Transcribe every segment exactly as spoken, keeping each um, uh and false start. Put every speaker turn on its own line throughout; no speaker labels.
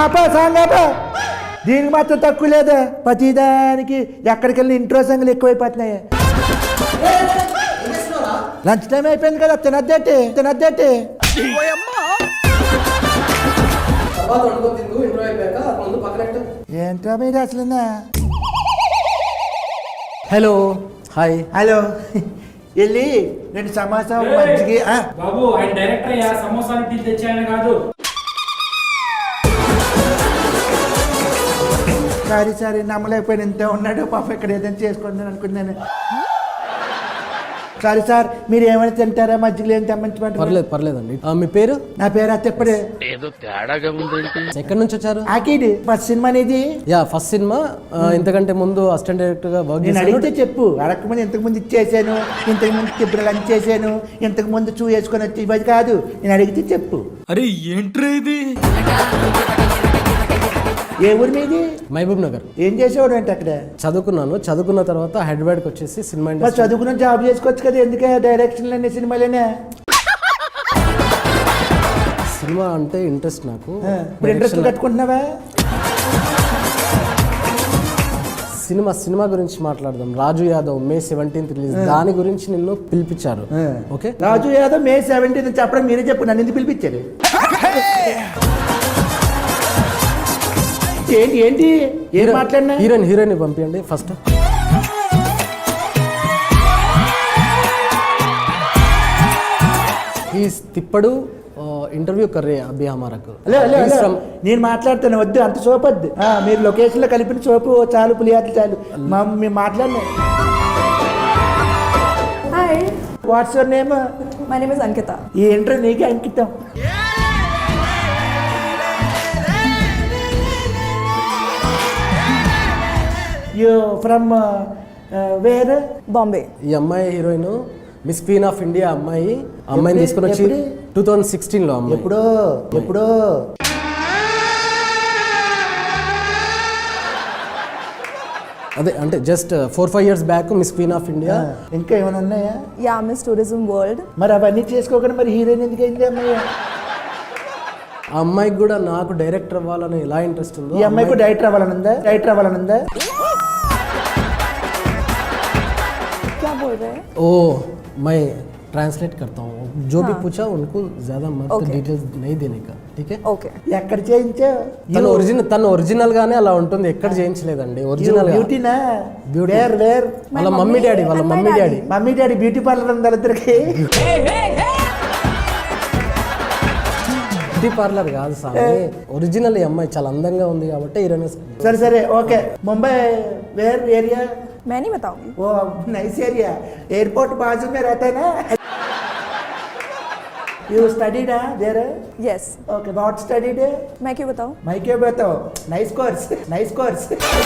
ఆపా song ఆపా. దీనికి మాత్రం తక్కువ లేదా, ప్రతిదానికి ఎక్కడికి వెళ్ళిన ఇంట్రో సంగులు ఎక్కువైపోతున్నాయి. లంచ్ టైం అయిపోయింది కదా, తినద్దేటి తినద్దేటి. ఏంట్రా మీరు అసలు?
Hello hi.
హలో వెళ్ళి రెండు సమోసా మంచిగా.
బాబు ఆయన డైరెక్టర్ అయ్యా, సమోసాలు టీ తెచ్చాయని కాదు.
సారీ సారీ నమ్మలేకపోయిన ఇంత ఉన్నాడు పాప, ఇక్కడ ఏదైనా చేసుకుంటాను అనుకున్నాను. సారీ సార్, మీరు ఏమైనా తింటారా? మజ్జిగలు ఏం తెమ్మంటారు?
పర్లేదు పర్లేదండి. మీ పేరు?
నా పేరు అత్తప్పుడే.
ఏదో తేడాగా ఉంది.
ఎక్కడి నుంచి వచ్చారు?
ఆకిడి ఫస్ట్ సినిమా అనేది.
Yeah first cinema. ఇంతకంటే ముందు అసిస్టెంట్ డైరెక్టర్ గా వర్క్
నేను
చేశాను.
అడిగితే చెప్పు. అడగకముందు ఇంతకు ముందు ఇచ్చేసాను, ఇంతకు ముందు తిప్పుడు లంచ్ చేశాను, ఇంతకు ముందు చూ వేసుకొని వచ్చి ఇవ్వదు కాదు. నేను అడిగితే చెప్పు.
అరే ఏంట్రా ఇది?
ఏ ఊరి మీది?
మహబూబ్ నగర్.
ఏం చేసేవాడు అంటే అక్కడ?
చదువుకున్నాను. చదువుకున్న తర్వాత హైదరాబాద్కి వచ్చేసి సినిమా
మరి
ఇండస్ట్రీ.
చదువుకున్న జాబ్ చేసుకోవచ్చు కదా, ఎందుకే డైరెక్షన్లు అన్ని సినిమాలేనే?
సినిమా అంటే ఇంట్రెస్ట్ నాకు.
ఇప్పుడు ఇంట్రెస్ట్ కట్టుకుంటున్నావా?
సినిమా సినిమా గురించి మాట్లాడదాం. Raju Yadav May seventeenth release, దాని గురించి నిన్ను పిలిపించారు. Okay,
Raju Yadav May seventeenth చెప్పడం మీరే చెప్పు, నన్ను ఎందుకు పిలిపించారు? ఏంటి ఏంటి ఏం మాట్లాడినా?
హీరోయిన్ హీరోయిన్ పంపించండి ఫస్ట్. ఈస్ తిప్పడు ఇంటర్వ్యూ కర్రే అభి హమారకు.
హలో హలో హలో నేను మాట్లాడుతాను, వద్దు అంత సోపు వద్దు. మీరు లొకేషన్లో కలిపిన సోపు చాలు, పులియాట్లు చాలు. మా మేము మాట్లాడినా.
Hi,
what's your name?
My name is Ankita.
ఈ ఇంటర్ నీకే అంకితం. You from where?
బాంబే.
ఈ అమ్మాయి heroine miss queen of India అమ్మాయి. అమ్మాయిని తీసుకుని వచ్చి
ఎప్పుడు?
టూ థౌజండ్ సిక్స్టీన్ లో అమ్మాయి.
ఎప్పుడో ఎప్పుడో
అదే అంటే just four five years back miss queen of India.
ఇంకా ఏమైనా ఉన్నాయా?
Yeah, miss tourism world.
మరి అవన్నీ చేసుకోకుండా మరి హీరోయిన్ ఎందుకు అయింది అమ్మాయి?
ఆ అమ్మాయికి కూడా నాకు డైరెక్టర్ అవ్వాలని ఎలా ఇంట్రెస్ట్ ఉందో.
ఈ అమ్మాయికి డైరెక్టర్ అవ్వాలనుందా? డైరెక్టర్ అవ్వాలనుందా?
क्या बोल रहे हैं?
ओ मैं ट्रांसलेट करता हूँ, जो भी पूछा उनको ज्यादा मत डिटेल्स नहीं देने का, ठीक है?
ఓకే.
ఎక్కడ చేయించావు?
తను ఒరిజినల్ తను ఒరిజినల్ గానే అలా ఉంటుంది, ఎక్కడ చేయించలేదండి. ఒరిజినల్
బ్యూటీనా?
Beauty.
వేర్ వేర్
వాళ్ళ మమ్మీ డాడీ వాళ్ళ mummy daddy
mummy daddy beauty parlour ఉంది వాళ్ళిద్దరికి.
బ్యూటీ పార్లర్ కాదు సార్, ఒరిజినల్ ఈ అమ్మాయి చాలా అందంగా ఉంది కాబట్టి హీరోయిన్.
సరే సరే ఓకే. Mumbai where area?
मैं नहीं बताऊंगी.
Oh nice area. ఎయిర్పోర్ట్ బాజు మే रहता है ना? You studied there?
Yes.
Okay, what studied?
मैं क्यों बताऊं?
मैं क्यों बताऊं? Nice course nice course.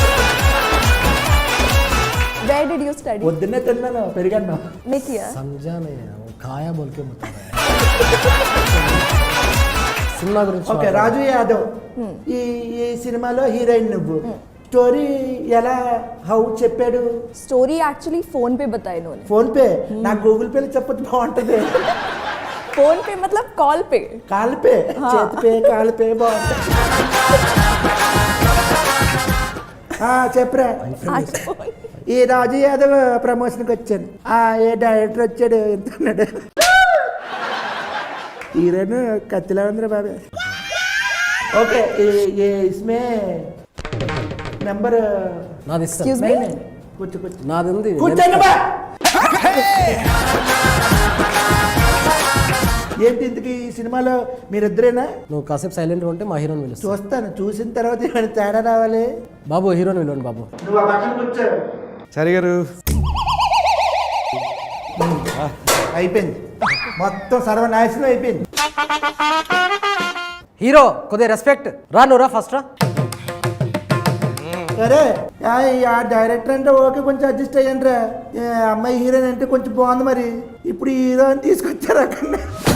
Where did you study?
పొద్దున్నే తిన్నాను, పెరిగాను.
नहीं किया.
समझा नहीं है, वो खाया बोल के बता रहा है. సినిమా గురించి
ఓకే, రాజు యాదవ్ ఈ ఈ సినిమాలో హీరోయిన్ నువ్వు. స్టోరీ ఎలా హౌ చెప్పాడు?
स्टोरी एक्चुअली फोन पे बताई इन्होंने.
Phone pay? నాకు గూగుల్ పేలో చెప్పొచ్చు, బాగుంటది.
फोन पे मतलब कॉल पे.
కాల్ పే, చేతి పే, కాల్ పే బాగుంటుంది. చెప్పరా. ఈ రాజు యాదవ్ ప్రమోషన్కి వచ్చాను. ఆ ఏ డైరెక్టర్ వచ్చాడు ఎంత అన్నాడు. హీరోయిన్ కత్తిలా ఉందిరా బాబే. ఓకే, ఏ ఇస్మే నెంబర్
నాది ఇస్తా.
Excuse me.
కూర్చో కూర్చో
నాది ఉంది.
కూర్చోండి బా. ఏంటి ఇంతకీ ఈ సినిమాలో మీరిద్దరేనా?
నువ్వు కాసేపు సైలెంట్ ఉంటే మా హీరోని పిలుస్తా.
చూస్తాను, చూసిన తర్వాత ఏమైనా తేడా రావాలి.
బాబు హీరోని పిలవండి బాబు.
నువ్వు ఆ పక్కన కూర్చో.
సరే గారు
అయిపోయింది, మొత్తం సర్వనాశనం అయిపోయింది.
హీరో కొద్దిగా రెస్పెక్ట్. రా నువ్వు రా ఫస్ట్ రా.
సరే ఆ డైరెక్టర్ అంటే ఓకే, కొంచెం అడ్జస్ట్ అయ్యండి రా. అమ్మాయి హీరోయిన్ అంటే కొంచెం బాగుంది, మరి ఇప్పుడు హీరో అని తీసుకొచ్చారు అక్కడ.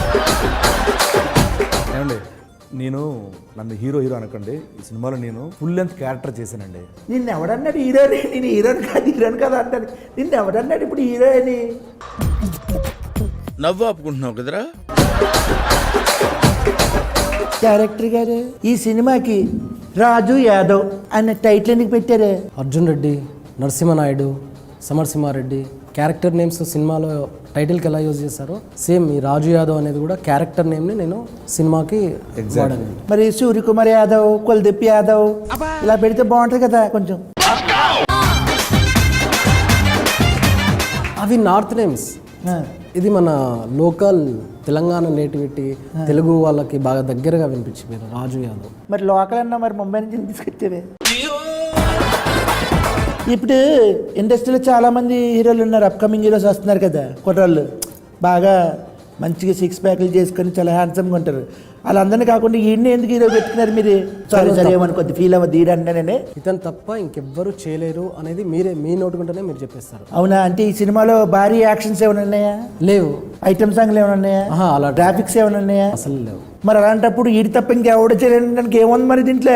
ఏమండి, నేను నన్ను హీరో హీరో అనకండి. ఈ సినిమాలో నేను ఫుల్ లెంత్ క్యారెక్టర్ చేశానండి.
నిన్ను ఎవడన్నాడు హీరోని? నేను హీరోని కాదు హీరోని కాదు అంటాను. నిన్ను ఎవడన్నాడు ఇప్పుడు హీరో అని?
నవ్వు ఆపుకుంటున్నావు కదరా.
డైరెక్టర్ గారు ఈ సినిమాకి రాజు యాదవ్ అన్న టైటిల్ ఎందుకు పెట్టారు?
అర్జున్ రెడ్డి, నరసింహనాయుడు, సమరసింహారెడ్డి క్యారెక్టర్ నేమ్స్ సినిమాలో టైటిల్కి ఎలా యూజ్ చేశారో సేమ్ ఈ రాజు యాదవ్ అనేది కూడా క్యారెక్టర్ నేమ్ని నేను సినిమాకి వాడాను.
మరి సూర్యకుమార్ యాదవ్, కులదీప్ యాదవ్ ఇలా పెడితే బాగుంటుంది కదా కొంచెం.
అవి నార్త్ నేమ్స్,
ఆ,
ఇది మన లోకల్ తెలంగాణ నేటివిటీ తెలుగు వాళ్ళకి బాగా దగ్గరగా వినిపించింది రాజు యాదవ్.
మరి లోకల్ అన్నా మరి ముంబై నుంచి తీసుకొచ్చేవే. ఇప్పుడు ఇండస్ట్రీలో చాలా మంది హీరోలు ఉన్నారు, అప్కమింగ్ హీరోస్ వస్తున్నారు కదా కుర్రాళ్ళు, బాగా మంచిగా సిక్స్ ప్యాక్లు చేసుకొని చాలా హ్యాండ్సమ్గా ఉంటారు. వాళ్ళందరినీ కాకుండా ఈయన్ని ఎందుకు హీరో పెట్టుకున్నారు మీరు? సారీ సరే ఏమని కొద్ది ఫీల్ అవ్వద్దు ఈడంటేనే.
ఇతను తప్ప ఇంకెవ్వరు చేయలేరు అనేది మీరే మీ నోటుకుంటేనే మీరు చెప్పేస్తారు.
అవునా? అంటే ఈ సినిమాలో భారీ యాక్షన్స్ ఏమైనా ఉన్నాయా?
లేవు.
ఐటమ్ సాంగ్లు ఏమైనా ఉన్నాయా?
ఆహా, అలా
గ్రాఫిక్స్ ఏమైనా ఉన్నాయా?
అసలు లేవు.
మరి అలాంటప్పుడు ఈడి తప్ప ఇంకెవడ చేయడానికి ఏముంది మరి దీంట్లో?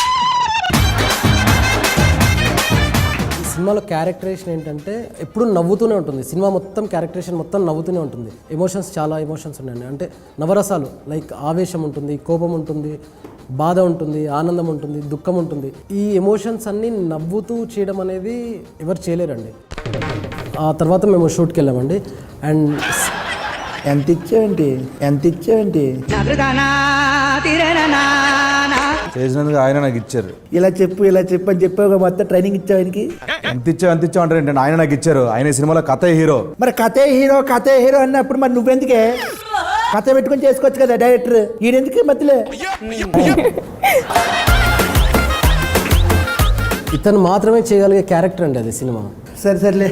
సినిమాలో క్యారెక్టరేషన్ ఏంటంటే ఎప్పుడు నవ్వుతూనే ఉంటుంది. సినిమా మొత్తం క్యారెక్టరేషన్ మొత్తం నవ్వుతూనే ఉంటుంది. ఎమోషన్స్ చాలా ఎమోషన్స్ ఉన్నాయండి. అంటే నవరసాలు లైక్ ఆవేశం ఉంటుంది, కోపం ఉంటుంది, బాధ ఉంటుంది, ఆనందం ఉంటుంది, దుఃఖం ఉంటుంది. ఈ ఎమోషన్స్ అన్నీ నవ్వుతూ చేయడం అనేది ఎవరు చేయలేరండి. ఆ తర్వాత మేము షూట్కి వెళ్ళామండి. అండ్
ఎంత ఇచ్చావేంటి ఎంత ఇచ్చావేంటి
చేసినందుకు ఆయన నాకు ఇచ్చారు.
ఇలా చెప్పు ఇలా చెప్పు అని చెప్పావు మొత్తం ట్రైనింగ్ ఇచ్చావు ఆయనకి.
ఎంత ఇచ్చావు ఎంత ఇచ్చావు అంటే ఏంటంటే ఆయన నాకు ఇచ్చారు. ఆయన ఈ సినిమాలో కథే హీరో.
మరి కథే హీరో కథే హీరో అన్నప్పుడు మరి నువ్వెందుకే కథ పెట్టుకొని చేసుకోవచ్చు కదా డైరెక్టర్, ఈయనెందుకు మధ్యలో?
ఇతను మాత్రమే చేయగలిగే క్యారెక్టర్ అండి అది సినిమా.
సరే సర్లే.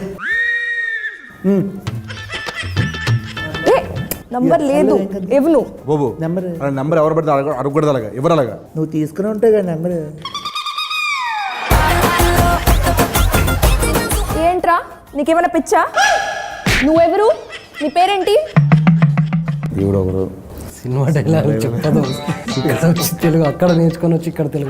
నంబర్ లేదు ఇవ్వను.
బాబు
నెంబర్
నెంబర్ ఎవరు పడితే అడగ అడగకూడదు, అలాగా ఎవరు అలాగా
నువ్వు తీసుకుని ఉంటావు కదా నెంబర్.
ఏంట్రా నీకేమైనా పిచ్చా? నువ్వెవరు? నీ పేరేంటి?
దేవుడు ఒకరు.
సినిమా డైలాగ్ చెప్పదు. ఇక్కడ వచ్చి తెలుగు, అక్కడ నేర్చుకొని వచ్చి ఇక్కడ తెలుగు.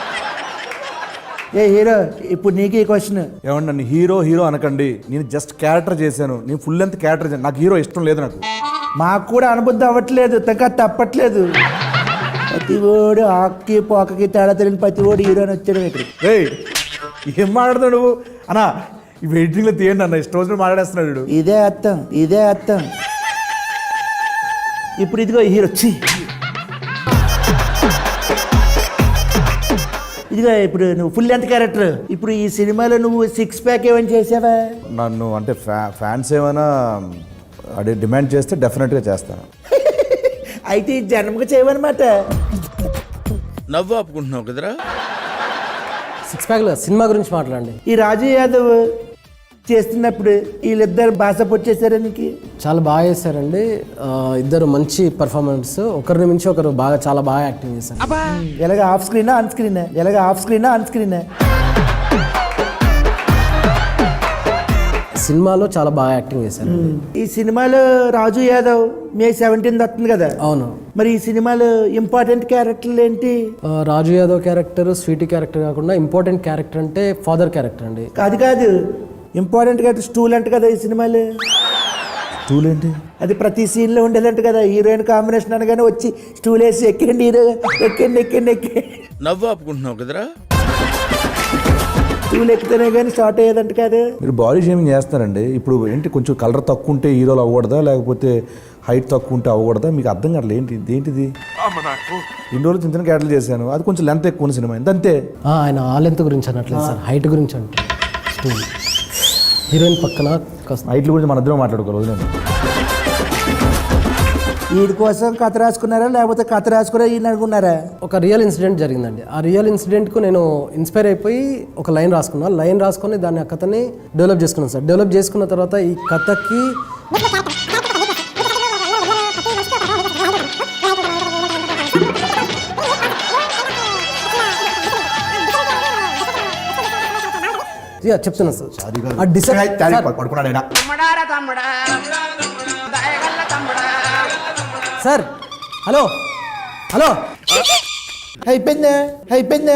ఏ హీరో ఇప్పుడు నీకు ఈ క్వశ్చన్.
ఏమండి నన్ను హీరో హీరో అనకండి. నేను జస్ట్ క్యారెక్టర్ చేశాను. నేను ఫుల్ లెంత్ క్యారెక్టర్ చేశాను. నాకు హీరో ఇష్టం లేదు. నాకు
మాకు కూడా అనుబుద్ధి అవ్వట్లేదు, తగ్గ తప్పట్లేదు. ప్రతి ఓడు ఆక్కి పోకకి తేడా తెలియని ప్రతి ఓడు హీరో అని వచ్చాడు ఇక్కడ.
ఏయ్ ఏం మాట్లాడుతావు నువ్వు అన్నా? ఈ వెయిటింగ్లో తీయండి అన్న, ఇష్టం వచ్చిన మాట్లాడేస్తున్నాడు వీడు.
ఇదే అర్థం ఇదే అర్థం. ఇప్పుడు ఇదిగో హీరో వచ్చి ఇదిగో ఇప్పుడు నువ్వు ఫుల్ లెంత్ క్యారెక్టర్. ఇప్పుడు ఈ సినిమాలో నువ్వు సిక్స్ ప్యాక్ ఏమైనా చేసావా?
నన్ను అంటే ఫ్యా ఫ్యాన్స్ ఏమైనా అదే డిమాండ్ చేస్తే డెఫినెట్గా చేస్తాను.
అయితే ఈ జన్మకు చేయవన్నమాట.
నవ్వు ఆపుకుంటున్నావు కదరా.
సిక్స్ ప్యాక్లో సినిమా గురించి మాట్లాడండి.
ఈ రాజు యాదవ్ చేస్తున్నప్పుడు వీళ్ళిద్దరు భాష పొచ్చేసారా నీకు?
చాలా బాగా చేశారండి. ఆ, ఇద్దరు మంచి పర్ఫార్మెన్స్, ఒకరిని మించి ఒకరు బాగా చాలా బాగా యాక్టింగ్ చేశారు.
ఎలాగ ఆఫ్ స్క్రీనా ఆన్ స్క్రీనా? ఎలాగ ఆఫ్ స్క్రీనా ఆన్ స్క్రీనా?
సినిమాలో చాలా బాగా యాక్టింగ్ చేశారు.
ఈ సినిమాలో రాజు యాదవ్ మే సెవెంటీన్త్ వస్తుంది కదా.
అవును.
మరి ఈ సినిమాలో ఇంపార్టెంట్ క్యారెక్టర్లు ఏంటి?
ఆ, Raju Yadav character sweetie character కాకుండా ఇంపార్టెంట్ క్యారెక్టర్ అంటే ఫాదర్ క్యారెక్టర్ అండి.
కాదు కాదు ఇంపార్టెంట్ క్యారెక్టర్ స్టూల్ అంట కదా ఈ సినిమాలో.
స్టూల్ ఏంటి?
అది ప్రతి సీన్లో ఉండేదంట కదా. హీరోయిన్ కాంబినేషన్ అనగానే వచ్చి స్టూల్ వేసి ఎక్కండి హీరో ఎక్కండి ఎక్కండి ఎక్కండి
నవ్వు ఆపుకుంటున్నావు కదరా.
స్టూల్ ఎక్కితేనే కానీ స్టార్ట్ అయ్యేదంట కాదు.
మీరు బాడీ షేమింగ్ చేస్తారండి. ఇప్పుడు ఏంటి కొంచెం కలర్ తక్కువ ఉంటే హీరోలు అవ్వకూడదా, లేకపోతే హైట్ తక్కువ ఉంటే అవ్వకూడదా? మీకు అర్థం కావట్లేదు. ఏంటి ఏంటిది? ఇన్ని రోజులు చిన్న చిన్న క్యారెక్టర్లు చేశాను, అది కొంచెం లెంత్ ఎక్కువ ఉన్న సినిమా అంతే.
ఆ, ఆయన ఆ లెంత్ గురించి అనట్లేదు సార్, హైట్ గురించి అంటే. స్టోరీ హీరోయిన్ పక్కన
హైట్ల గురించి మన ఇద్దరం మాట్లాడుకోవాలి. వదిలేండి.
వీడి కోసం కథ రాసుకున్నారా లేకపోతే కథ రాసుకురా ఈయన అనుకున్నారా?
ఒక రియల్ ఇన్సిడెంట్ జరిగిందండి. ఆ రియల్ ఇన్సిడెంట్కు నేను ఇన్స్పైర్ అయిపోయి ఒక లైన్ రాసుకున్నాను. లైన్ రాసుకొని దాన్ని ఆ కథని డెవలప్ చేసుకున్నాను సార్. డెవలప్ చేసుకున్న తర్వాత ఈ కథకి చెప్తున్నా సార్. ఆ డిసైడ్ సార్. హలో హలో
అయిపోయిందా అయిపోయిందా?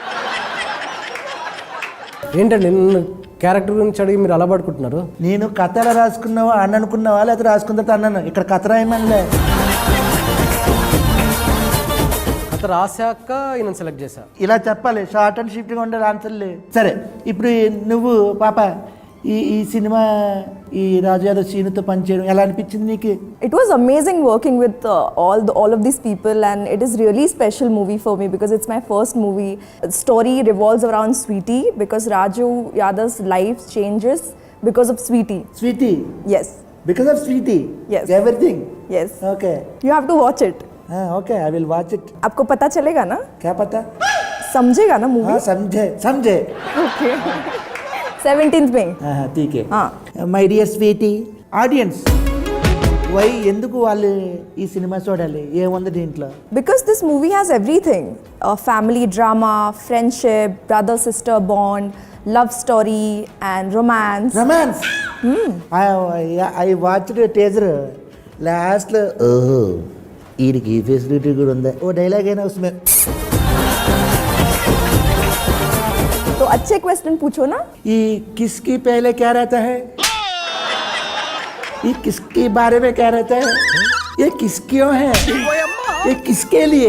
ఏంటండి నిన్ను క్యారెక్టర్ గురించి అడిగి మీరు అలా పడుకుంటున్నారు?
నేను కథ ఎలా రాసుకున్నావా అని అనుకున్నావా లేకపోతే రాసుకున్న తర్వాత అన్నాను. ఇక్కడ కథ రాయమనిలే.
కథ రాశాక ఈయన సెలెక్ట్ చేశా.
ఇలా చెప్పాలి, షార్ట్ అండ్ షిఫ్ట్గా ఉండాలి ఆన్సర్లు. సరే ఇప్పుడు నువ్వు పాప ఈ ఈ సినిమా ఈ రాజు యాదవ్ సీనుతో పనిచేయడం ఎలా అనిపించింది నీకు?
It was amazing working with uh, all the, all of these people, and it is really special movie for me because it's my first movie. The story revolves around Sweetie because Raju Yadav's life changes because of Sweetie.
Sweetie,
Yes,
because of sweetie
Yes.
Everything.
yes.
Okay
You have to watch it.
Okay, I will watch it.
आपको पता चलेगा ना,
क्या पता?
समझेगा ना movie?
हाँ समझे समझे.
Okay. seventeenth में.
हाँ ठीक है.
हाँ.
My dear sweetie audiences, why ఎందుకు వాళ్ళు ఈ సినిమా చూడాలి? ఏముంది దీంట్లో?
Because this movie has everything: uh, family drama, friendship, brother sister bond, love story, and romance.
రొమాన్స్. I watch teaser. లాస్ట్లో ఓహో వీడికి ఈ ఫెసిలిటీ కూడా ఉందా, ఓ డైలాగ్ అయినా ఉస్మే.
तो अच्छे क्वेश्चन पूछो ना.
ये किसकी पहले क्या रहता है? ये किसके बारे में क्या रहता है? ये किस क्यों है? ये किसके लिए?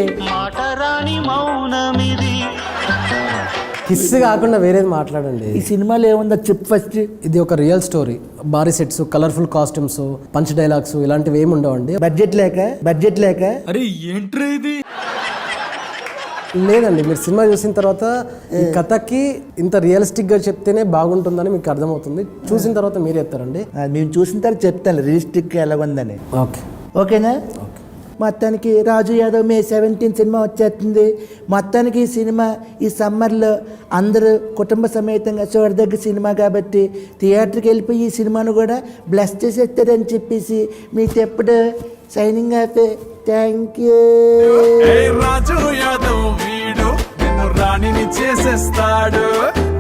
కిస్ కాకుండా వేరేది మాట్లాడండి.
ఈ సినిమాలో ఏముందో చెప్పు ఫస్ట్.
ఇది ఒక రియల్ స్టోరీ. భారీ sets, colourful costumes, punch dialogues ఇలాంటివి ఏమి ఉండవండి.
బడ్జెట్ లేక బడ్జెట్ లేక
లేదండి, మీరు సినిమా చూసిన తర్వాత ఈ కథకి ఇంత రియలిస్టిక్ గా చెప్తేనే బాగుంటుందని మీకు అర్థమవుతుంది. చూసిన తర్వాత మీరు చెప్తారండి.
ఆ, మేము చూసిన తర్వాత చెప్తాను రియలిస్టిక్ ఎలాగుందని.
ఓకే
ఓకేనా? మొత్తానికి Raju Yadav May seventeen cinema వచ్చేస్తుంది. మొత్తానికి ఈ సినిమా ఈ సమ్మర్లో అందరూ కుటుంబ సమేతంగా చూడదగ్గ సినిమా కాబట్టి థియేటర్కి వెళ్ళిపోయి ఈ సినిమాను కూడా బ్లెస్ చేసేస్తారని చెప్పేసి మీకు ఎప్పుడు signing off. Thank you.
Raju Yadav వీడు నిన్ను రాణిని చేసేస్తాడు.